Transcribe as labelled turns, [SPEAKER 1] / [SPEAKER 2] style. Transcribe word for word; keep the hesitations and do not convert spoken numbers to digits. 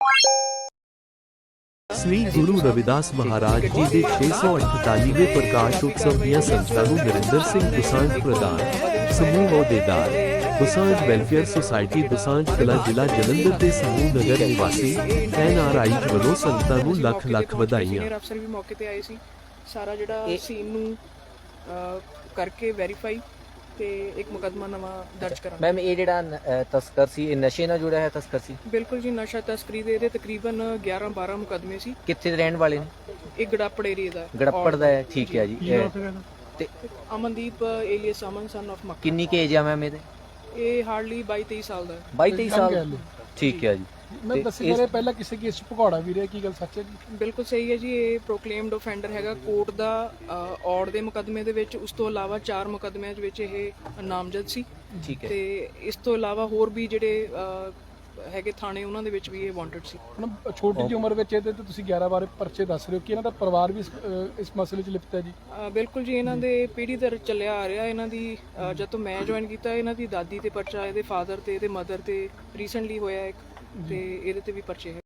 [SPEAKER 1] श्री गुरु रविदास महाराज जी के छे सौ अठतालीवें प्रकाश उत्सव ਦੀਆਂ ਸੰਗਤਾਂ ਨੂੰ ਨਰਿੰਦਰ ਸਿੰਘ ਦੁਸਾਂਝ ਪ੍ਰਧਾਨ ਸਮੂਹ ਅਹੁਦੇਦਾਰ ਦੁਸਾਂਝ ਵੈਲਫੇਅਰ ਸੁਸਾਇਟੀ ਦੁਸਾਂਝ ਕਲਾਂ ਜ਼ਿਲ੍ਹਾ ਜਲੰਧਰ ਦੇ ਸਮੂਹ ਨਗਰ ਨਿਵਾਸੀ ਐਨ ਆਰ ਆਈ ਵੱਲੋਂ ਸੰਗਤਾਂ ਨੂੰ ਲੱਖ ਲੱਖ ਵਧਾਈਆਂ।
[SPEAKER 2] ਅਫਸਰ ਵੀ ਮੌਕੇ ਤੇ ਆਏ ਸੀ। ਸਾਰਾ ਜਿਹੜਾ ਸੀਨ ਨੂੰ ਕਰਕੇ ਵੈਰੀਫਾਈ ਤੇ ਇੱਕ ਮੁਕੱਦਮਾ ਨਵਾਂ ਦਰਜ ਕਰਾਂਗੇ।
[SPEAKER 3] ਮੈਮ ਇਹ ਜਿਹੜਾ ਤਸਕਰ ਸੀ ਇਹ ਨਸ਼ੇ ਨਾਲ ਜੁੜਿਆ ਹੈ ਤਸਕਰ ਸੀ?
[SPEAKER 2] ਬਿਲਕੁਲ ਜੀ, ਨਸ਼ਾ ਤਸਕਰੀ ਦੇ ਇਹਦੇ ਤਕਰੀਬਨ ਗਿਆਰਾਂ ਬਾਰਾਂ ਮੁਕੱਦਮੇ ਸੀ।
[SPEAKER 3] ਕਿੱਥੇ ਦੇ ਰਹਿਣ ਵਾਲੇ ਨੇ?
[SPEAKER 2] ਇਹ ਗੜਾਪੜ ਏਰੀਆ ਦਾ
[SPEAKER 3] ਗੜੱਪੜ ਦਾ ਹੈ, ਠੀਕ ਹੈ ਜੀ। ਤੇ
[SPEAKER 2] Amandeep alias Aman son of Makka.
[SPEAKER 3] ਕਿੰਨੀ ਕੁ ਏਜ ਆ ਮੈਮ ਇਹਦੇ?
[SPEAKER 2] ਇਹ ਹਾਰਡਲੀ ਬਾਈ ਤੇਈ ਸਾਲ ਦਾ ਹੈ।
[SPEAKER 3] ਬਾਈ ਤੇਈ ਸਾਲ, ਠੀਕ ਹੈ ਜੀ।
[SPEAKER 4] ਮੈਂ ਦੱਸੀ ਮੇਰੇ ਪਹਿਲਾਂ ਕਿਸੇ ਕੇਸ 'ਚ ਭਗੌੜਾ ਵੀ ਰਿਹਾ, ਕੀ ਗੱਲ ਸੱਚ ਹੈ ਜੀ?
[SPEAKER 2] ਬਿਲਕੁਲ ਸਹੀ ਹੈ ਜੀ। ਇਹ ਪ੍ਰੋਕਲੇਮਡ ਆਫੈਂਡਰ ਹੈਗਾ ਕੋਰਟ ਦਾ ਔੜ ਦੇ ਮੁਕੱਦਮੇ ਦੇ ਵਿੱਚ। ਉਸ ਤੋਂ ਇਲਾਵਾ ਚਾਰ ਮੁਕੱਦਮਿਆਂ ਦੇ ਵਿੱਚ ਇਹ ਨਾਮਜ਼ਦ ਸੀ,
[SPEAKER 3] ਠੀਕ ਹੈ।
[SPEAKER 2] ਤੇ ਇਸ ਤੋਂ ਇਲਾਵਾ ਹੋਰ ਵੀ ਜਿਹੜੇ ਹੈਗੇ ਥਾਣੇ ਉਹਨਾਂ ਦੇ ਵਿੱਚ ਵੀ ਇਹ ਵਾਂਟਡ ਸੀ।
[SPEAKER 4] ਹੁਣ ਛੋਟੀ ਜਿਹੀ ਉਮਰ ਵਿੱਚ ਇਹਦੇ ਤੇ ਤੁਸੀਂ ਗਿਆਰਾਂ ਬਾਰੇ ਪਰਚੇ ਦੱਸ ਰਹੇ ਹੋ ਕਿ ਇਹਨਾਂ ਦਾ ਪਰਿਵਾਰ ਵੀ ਇਸ, ਅਹ, ਇਸ ਮਸਲੇ 'ਚ ਲਿਪਤ ਹੈ ਜੀ?
[SPEAKER 2] ਅ, ਬਿਲਕੁਲ ਜੀ, ਇਹਨਾਂ ਦੇ ਪੀੜ੍ਹੀ ਦਰ ਚੱਲਿਆ ਆ ਰਿਹਾ। ਇਹਨਾਂ ਦੀ ਅ, ਜਦ ਤੋਂ ਮੈਂ ਜੁਆਇਨ ਕੀਤਾ ਇਹਨਾਂ ਦੀ ਦਾਦੀ ਤੇ ਪਰਚਾ, ਇਹਦੇ ਫਾਦਰ ਤੇ ਇਹਦੇ ਮਦਰ ਤੇ ਰੀਸੈਂਟਲੀ ਹੋਇਆ ਇੱਕ, ਤੇ ਇਹਦੇ ਤੇ ਵੀ ਪਰਚੇ ਹੈ।